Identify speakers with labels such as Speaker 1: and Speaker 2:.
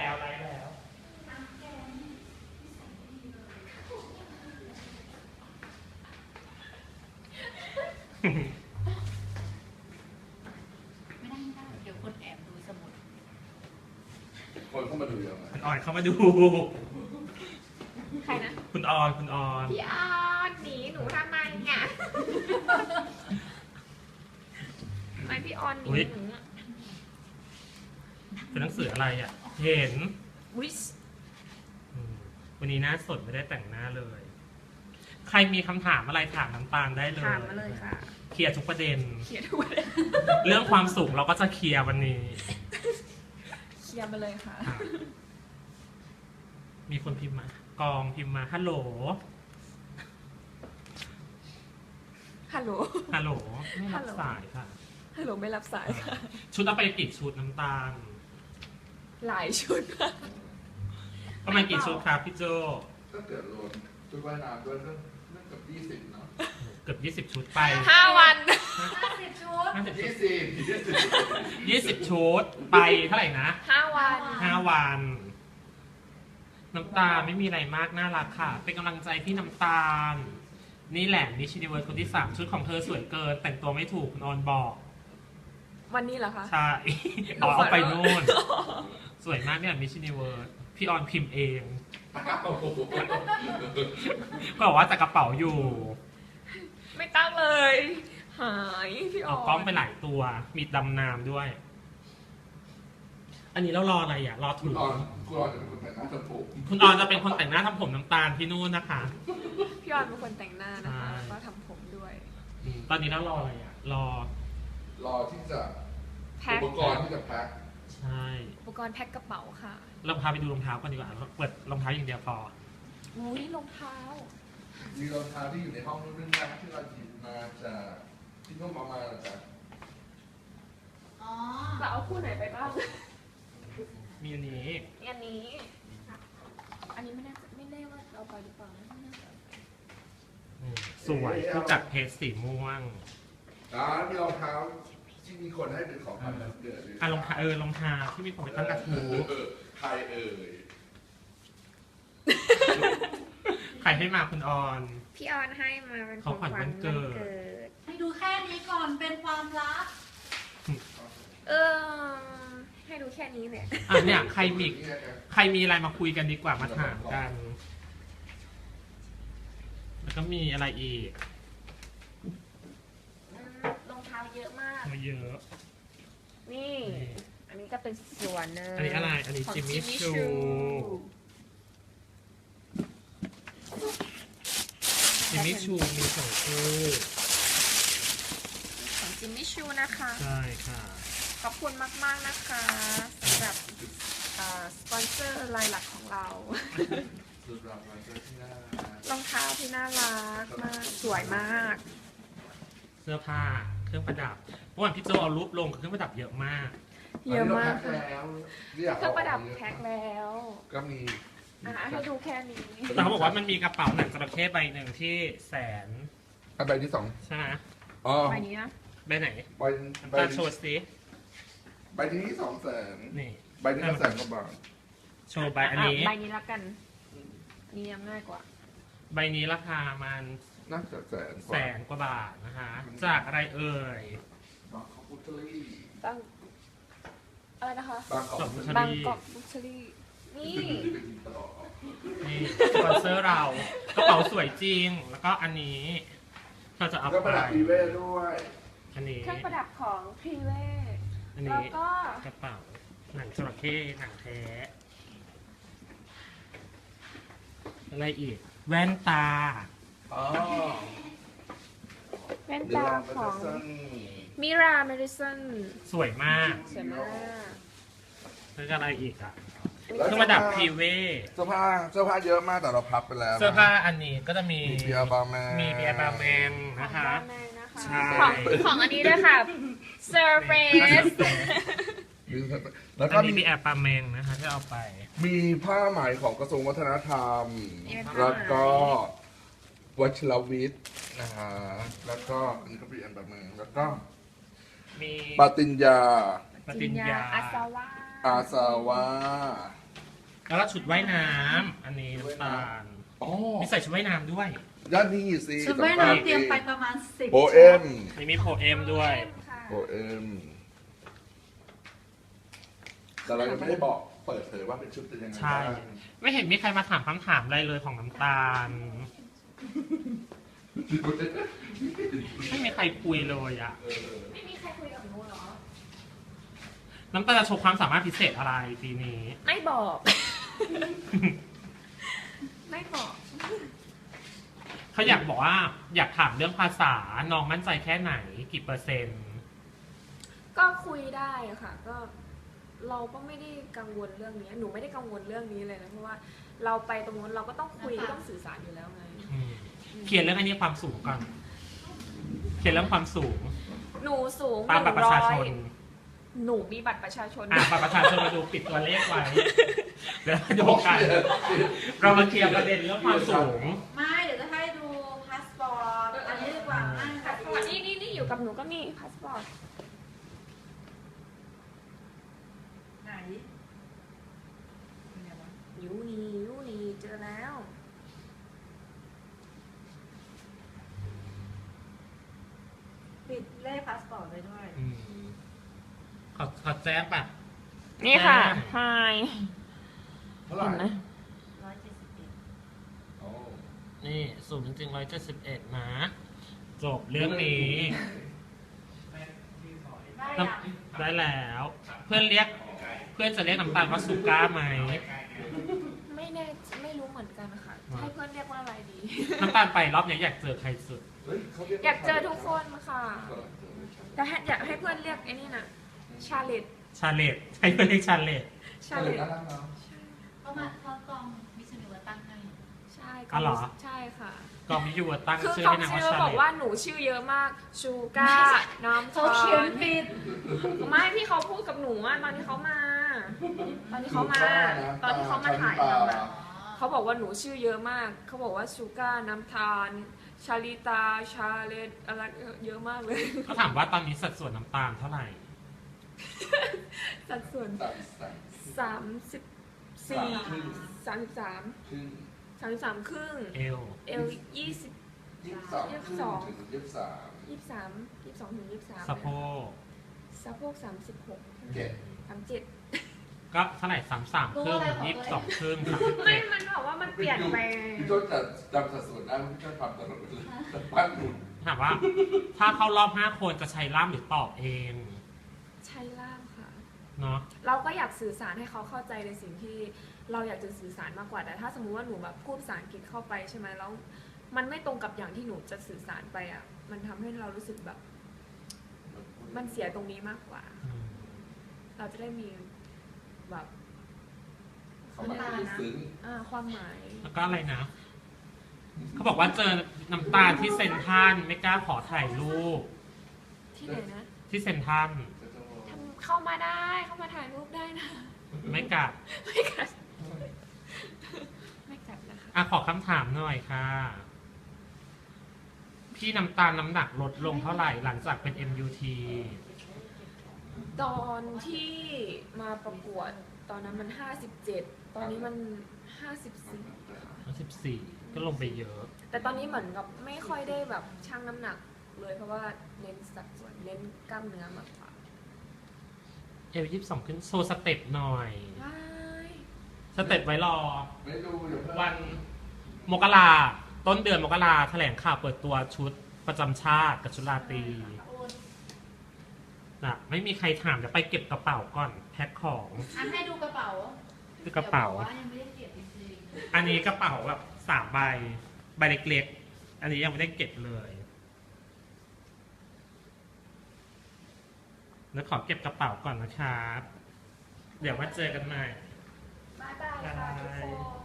Speaker 1: แล้วไลฟ์แล้ว
Speaker 2: ไม่ได้เดี๋ยวคนแอบดูสมุด
Speaker 3: คนเข้ามาดูเยอะไหม
Speaker 1: คุณออนเข้ามาดู
Speaker 2: ใครนะ
Speaker 1: คุณออน
Speaker 2: พี่ออนหนีหนูทำไมเนี่ยทำไมพี่ออนหนีหนูอะ
Speaker 1: เป็นหนังสืออะไรอ่ะ เห็น
Speaker 2: วิส
Speaker 1: วันนี้หน้าสดไม่ได้แต่งหน้าเลย ใครมีคำถามอะไรถามน้ำตาลได้เลย
Speaker 2: ถามมาเลยค่ะ
Speaker 1: เคลียร์ทุกประเด็น
Speaker 2: เคลียร์ทุกวัน
Speaker 1: เรื่องความสุขเราก็จะเคลียร์วันนี้
Speaker 2: เคลียร์มาเลยค่ะ
Speaker 1: มีคนพิมพ์มา กองพิมพ์มา ฮัลโหล
Speaker 2: ฮัลโหล
Speaker 1: ฮัลโหล ไม่รับสายค่ะ
Speaker 2: ฮัลโหลไม่รับสายค่ะ
Speaker 1: ชุดเอาไปกี่ชุดน้ำตาล
Speaker 2: หลายชุดค่ะ
Speaker 1: ประมาณกี่ชุดครับพี่โจ
Speaker 3: ถ้าเกิดรวมชุดว่ายน้ำด้วยเรื่องกับ20เนาะ
Speaker 1: เกือบ20 ชุดไป
Speaker 2: 5 วัน
Speaker 4: 50 ชุด
Speaker 3: 20
Speaker 1: ชุดไปเท่าไหร่นะ
Speaker 2: 5 วัน
Speaker 1: 5 วัน น้ำตาลไม่มีอะไรมากน่ารักค่ะ เป็นกำลังใจพี่น้ำตาล นี่แหละมิชชันนิเวิร์สคนที่ 3 ชุดของเธอสวยเกิน แต่งตัวไม่ถูกคุณออนบอก
Speaker 2: วันนี้เหรอคะ
Speaker 1: ใช่ เอาไปนู่น สวยมากเนี่ยมิชชันนิเวิร์สพี่ออนพิมพ์เอง ก็บอกว่าจะกระเป๋าอยู่
Speaker 2: ไม่ตั้งเลย หายพี่อ
Speaker 1: เอา
Speaker 2: อน
Speaker 1: กล้องไปหลายตัว มีดำน้ำด้วย อันนี้เรารออะไรอ่ะ รอ
Speaker 3: คุ
Speaker 1: ถู
Speaker 3: ณ
Speaker 1: ก
Speaker 3: ออนจะเป็นคนแต่งหน้าทำผม
Speaker 1: คุณออนจะเป็นคนแต่งหน้าทำผมน้ำตาลที่นู่นนะคะ
Speaker 2: พี่ออนเป็นคนแต่งหน้านะคะ
Speaker 1: ใช่
Speaker 2: แล้วก็ทำผมด้วย
Speaker 1: ตอนนี้เรารออะไรอ่ะ รอ
Speaker 3: ที่จะ
Speaker 2: แพ็ค
Speaker 3: อุปกรณ์ที่จะแพ็ค
Speaker 1: ใช่
Speaker 2: อุปกรณ์แพ็คกระเป๋าค่ะ
Speaker 1: เราพาไปดูรองเท้าก่อนดีกว่าเปิดรองเท้าอย่างเดียวพอ
Speaker 2: อุ้ยรองเท้า
Speaker 3: มีรองเท้าที่อยู่ในห้องนู่นนะที่เราหยิบมาจากที่นุ่มเอามาจาก
Speaker 4: อ๋อ
Speaker 2: เราเอาคู่ไหนไปบ้าง
Speaker 1: มีอันนี้
Speaker 2: อันนี้ อันนี้ไม่แน่ว่าเอาไปหรือเปล่าไม่แน่ใจ
Speaker 1: สวยผู้จัดเพจสีม่วง
Speaker 3: มีรองเท้าที่มีคนให้เป็นของขวัญวันเกิดเลย
Speaker 1: รองเท้ารองเท้าที่มีผมไปตั้งกระทู้
Speaker 3: ใครเอ่ย
Speaker 1: ใครให้มาคุณออน
Speaker 2: พี่ออนให้มาเป็น
Speaker 1: ของขวัญวันเกิด
Speaker 4: ให้ดูแค่นี้ก่อนเป็นความลับ
Speaker 2: ให้ดูแค่นี้เนี่ย
Speaker 1: เนี่ยใครมีอะไรมาคุยกันดีกว่ามาถามกัน แล้วก็มีอะไรอีก
Speaker 2: รองเท้าเยอะมาก
Speaker 1: มาเยอะ
Speaker 2: นี่ อันนี้ก็เป็นส่วนหนึง
Speaker 1: อันนี้อะไร อันนี้
Speaker 2: ของ
Speaker 1: จิมมี่
Speaker 2: Jimmy
Speaker 1: ชู จิมมี่ชูมีสองคู่
Speaker 2: ของจิมมี่ชูนะคะ
Speaker 1: ใช่ค่ะ
Speaker 2: ขอบคุณมากๆนะคะสำหรับสปอนเซอร์รายหลักของเรา
Speaker 3: สุดรางวัลเจอที่หน้าร
Speaker 2: องเท้าที่น่ารักมาก สวยมาก
Speaker 1: เสื้อผ้า เครื่องประดับเมื่อวานพี่โจเอารูปลงเครื่องประดับเยอะมาก
Speaker 2: เยอะมาก
Speaker 3: แล้
Speaker 2: ค่ะ
Speaker 3: ว
Speaker 2: เครื่องประดับแพ็คแล้ว
Speaker 3: ก็มี
Speaker 2: ให้ดูแค่นี้
Speaker 1: แต่เขาบอกว่ามันมีกระเป๋าหนังจระเข้ใบหนึ่งที่แสน
Speaker 3: ใบที่สอง
Speaker 1: ใช่ไหม
Speaker 3: อ๋อ
Speaker 2: ใบนี้นะ
Speaker 1: ใบไหน
Speaker 3: ใบ
Speaker 1: น้ำตาลโชว์สิ
Speaker 3: ใบที่200,000
Speaker 1: นี่
Speaker 3: ใบที่ละ100,000 กว่าบาท
Speaker 1: โชว์ใบอันนี้
Speaker 2: ใบนี้ละกันอันนี้ยังง่ายกว่า
Speaker 1: ใบนี้ราคามัน
Speaker 3: น่าจะ100,000 ก
Speaker 1: แส
Speaker 3: ว่าน
Speaker 1: กว่าบาทนะคะ จากอะไรเอ่ย
Speaker 3: บางกอกบุตรี่
Speaker 2: ตั้งอะไรนะคะ
Speaker 3: บางกอก
Speaker 1: จบ
Speaker 3: บุต
Speaker 1: ช
Speaker 3: รี่
Speaker 2: บางกอกบุชรี่นี่
Speaker 1: นี่สปอนเซอร์เรากระเป๋าสวยจริง แล้วก็อันนี้เราจะเอา
Speaker 3: ก็
Speaker 1: ไป
Speaker 3: ประดับอีเว่ด้วย
Speaker 1: อันนี้
Speaker 2: เครื่องประดับของพรีเว
Speaker 1: อัน
Speaker 2: แล้ว
Speaker 1: นี้
Speaker 2: ก็
Speaker 1: กระเป๋าหนังจระเข้หนังแท้อะไรอีก แว่นตา
Speaker 3: อ๋อ
Speaker 2: แว่น
Speaker 3: เดี๋ยว
Speaker 2: ตา
Speaker 3: ลองไป
Speaker 2: ของ
Speaker 3: จะ
Speaker 2: มิราเมดิสัน
Speaker 1: สวยมาก
Speaker 2: สวยมาก
Speaker 1: แล้วก็อะไรอีกอ่ะ
Speaker 2: อัน
Speaker 1: เค
Speaker 2: นี้
Speaker 1: รื่องประดับพรีเว
Speaker 3: เสื้อผ้าเยอะมากแต่เราพับไปแล้วนะ
Speaker 1: เสื้อผ้าอันนี้ก็จะมี
Speaker 3: มีเบียร์บาร์แมน
Speaker 1: มีเบียร์บาร์แมน
Speaker 2: ของ
Speaker 1: นะคะ
Speaker 2: ด้านในนะคะ
Speaker 1: ใช่
Speaker 2: ของอันนี้ด้วยค่ะ Surface
Speaker 3: แล้ว
Speaker 1: อั
Speaker 3: ก็
Speaker 1: นนี้มีแอร์บาร์แมนนะคะที่เอาไป
Speaker 3: มีผ้าไหมของกระทรวงวัฒนธรรม
Speaker 2: นี่เป็นผ้าไหม
Speaker 3: แล้วก็วัชรวิทย์นะฮะแล้วก็อันนี้ก็เป็นอันแบบมือแล้วก็
Speaker 1: มี
Speaker 3: ปาติญญา
Speaker 1: ปฏิญญา
Speaker 2: อาซาวะ
Speaker 3: อาซาวา
Speaker 1: แล้วก็ชุดว่ายน้ำอันนี้น้ำตาล
Speaker 3: อ๋อ
Speaker 1: มีใส่ชุดว่ายน้ำด้วย
Speaker 3: ด้านนี้สิ
Speaker 4: ชุดว่ายน้ำเตรียมไปประมาณ10
Speaker 3: โปเอ็ม
Speaker 1: นี่มีโพเอมด้วย
Speaker 2: ค่ะ
Speaker 3: โปเอ็มแต่เรายังไม่ได้บอกเปิดเผยว่าเป็นชุดเป็นยังไง
Speaker 1: ใช่
Speaker 3: บ้าง
Speaker 1: ไม่เห็นมีใครมาถามคำถามอะไรเลยของน้ำตาล ไม่มีใครคุยเลยอะ
Speaker 2: ไม่มีใครคุยกับหนูเหรอ
Speaker 1: น้ำตาลจะโชว์ความสามารถพิเศษอะไรปีนี้
Speaker 2: ไม่บอก ไม่บอก
Speaker 1: เขาอยากบอกว่าอยากถามเรื่องภาษาน้องมั่นใจแค่ไหนกี่เปอร์เซ็นต์
Speaker 2: ก็คุยได้อะค่ะ ก็เราก็ไม่ได้กังวลเรื่องนี้ หนูไม่ได้กังวลเรื่องนี้เลยนะ เพราะว่าเราไปตรงนู้นเราก็ต้องคุยก็ต้องสื่อสารอยู่แล้วไง
Speaker 1: เขียนเรื่องอันนี้ความสูงก่อน เขียนเรื่องความสูง
Speaker 2: หนูสูง
Speaker 1: ตามบัตรประชาชน
Speaker 2: หนูมีบัตรประชาชน
Speaker 1: บัตรประชาชนมาดูปิดตัวเลขไว้ เดี๋ยวเราดูกันเรามาเคลียร์ประเด็นเรื่องความสูง
Speaker 4: ไม่เดี๋ยวจะให้ดูพาสปอร์ตอันนี้ดีกว่านั่ง
Speaker 2: พาสปอร์ตนี่อยู่กับหนูก็มีพาสปอร์ต
Speaker 4: ไหน
Speaker 2: ยูนี่เจอแล้ว
Speaker 4: ปิดเลขพาสปอร์ตไว้ด้วย
Speaker 1: ขอแจ้งป่ะ
Speaker 2: นี่ค่ะ
Speaker 1: อ่า
Speaker 2: Hi
Speaker 3: เท่าไหร่
Speaker 2: เห็นไหม
Speaker 4: 171
Speaker 3: โอ้
Speaker 1: นี่สูงจริงๆ171นะ จบเรื่องนี้
Speaker 4: ได้
Speaker 1: น้
Speaker 4: ยัง
Speaker 1: ำได้แล้ว เพื่อนจะเรียกน้ำตาลว่าสุก้าไหม
Speaker 2: ไม่รู้เหมือนกันค่ะ ให้เพื่อนเรียกว่าอะไรดี
Speaker 1: น้ำตาลไปรอบนี้อยากเจอใครสุด
Speaker 3: เฮ้ยเขาเรียก
Speaker 2: อยากเจอทุกคนค่ะ แต่อยากให้เพื่อนเรียกไอ้นี่นะชาเลต
Speaker 1: ชาเลตใช้เพื่อนเรียกชาเลต
Speaker 2: ชา
Speaker 3: เขา
Speaker 2: เล
Speaker 3: เรียก
Speaker 2: ต
Speaker 3: น่ารักเนาะ
Speaker 4: เขากองมิชชันนิวตั้งให้
Speaker 2: ใช่
Speaker 1: อ๋อเหรอ
Speaker 2: ใช่ค่ะ
Speaker 1: กองมิยูตั้ง
Speaker 2: คือ
Speaker 1: ชื่อ
Speaker 2: เขา
Speaker 1: ให้นางว่า
Speaker 2: ชื่อ
Speaker 1: ชา
Speaker 2: บอก
Speaker 1: เล
Speaker 2: ว่า
Speaker 1: ต
Speaker 2: หนูชื่อเยอะมาก ชูก้า น้ำ
Speaker 4: เขา
Speaker 2: ตา
Speaker 4: เขียน
Speaker 2: ล
Speaker 4: ผิด
Speaker 2: ไม่พี่เขาพูดกับหนูอะตอนที่เขามา ตอนที่เขามาถ่ายทำอะเขาบอกว่าหนูชื่อเยอะมาก เขาบอกว่าชูก้า น้ำตาล ชาลิตา ชาเลตอะไรเยอะมากเลย
Speaker 1: เขาถามว่าตอนนี้สัดส่วนน้ำตาลเท่าไหร่
Speaker 2: สัดส่วน
Speaker 3: สาม
Speaker 2: 34
Speaker 3: ครึ่ง
Speaker 2: 33ครึ่ง
Speaker 1: เอล
Speaker 2: เอล20
Speaker 3: 22ครึ่งถึง23
Speaker 2: 22ถึง23
Speaker 1: สะโพก
Speaker 2: สะโพก36
Speaker 3: เจ็ด
Speaker 2: 37
Speaker 1: ก็เท่าไหร่33ครึ่ง22ครึ่ง
Speaker 2: ไม่
Speaker 1: 37
Speaker 2: มันบอกว่ามันเปลี่ยนไป
Speaker 3: พี่โจ้จะจำสัดส่วนได้พี่โจ้ทำตลอดเลยแต่ปั้นหนุน
Speaker 1: ถามว่า ถ้าเข้ารอบ5คนจะใช้ล่ามหรือตอบเอง
Speaker 2: ใช่ล่ามค่ะ
Speaker 1: เนาะ
Speaker 2: เราก็อยากสื่อสารให้เขาเข้าใจในสิ่งที่เราอยากจะสื่อสารมากกว่า แต่ถ้าสมมุติว่าหนูแบบพูดภาษาอังกฤษเข้าไปใช่ไหมแล้วมันไม่ตรงกับอย่างที่หนูจะสื่อสารไปอ่ะ มันทำให้เรารู้สึกแบบ มันเสียตรงนี้มากกว่า เราจะได้มีแบบ
Speaker 3: เขามาซึ้ง
Speaker 2: ความหมาย
Speaker 1: แล้วก็อะไรนะ เขาบอกว่าเจอน้ำตาลที่เซนทรันไม่กล้าขอถ่ายรูป
Speaker 2: ที่ไหนนะ
Speaker 1: ที่เซนทรัน
Speaker 2: เข้ามาได้เข้ามาถ่ายรูปได้นะ
Speaker 1: ไม่กลับ
Speaker 2: ไม่กัดไม่กัดนะคะ
Speaker 1: ขอคำถามหน่อยค่ะ พี่น้ำตาลน้ำหนักลดลงเท่าไหร่หลังจากเป็น MUT
Speaker 2: ตอนที่มาประกวดตอนนั้นมัน57ตอนนี้มัน54
Speaker 1: 14ก็ลงไปเยอะ
Speaker 2: แต่ตอนนี้เหมือนกับไม่ค่อยได้แบบชั่งน้ำหนักเลยเพราะว่าเน้นสัดส่วนเน้นกล้ามเนื้อมากกว่า
Speaker 1: 22ขึ้นโชว์สเต็ปหน่อย
Speaker 2: ว้าย
Speaker 1: สเต็ปไว้รอ
Speaker 3: ไม่ดูเดี๋ยวเพิ่ง
Speaker 1: วันมกราต้นเดือนมกราแถลงข่าวเปิดตัวชุดประจำชาติกับชุดราตรีนะไม่มีใครถามเดี๋ยวไปเก็บกระเป๋าก่อนแพ็คของ
Speaker 4: อันให้ดูกระเป๋า
Speaker 1: คือกระเป๋า
Speaker 4: ดี๋ยวบอกว่ายังไม่ได้เก็บจริง
Speaker 1: อันนี้กระเป๋าแบบ3 ใบเล็กๆ อันนี้ยังไม่ได้เก็บเลยแล้วขอเก็บกระเป๋าก่อนนะครับ เดี๋ยวมาเจอกันใหม่
Speaker 2: บ๊ายบายค่ะทุกคน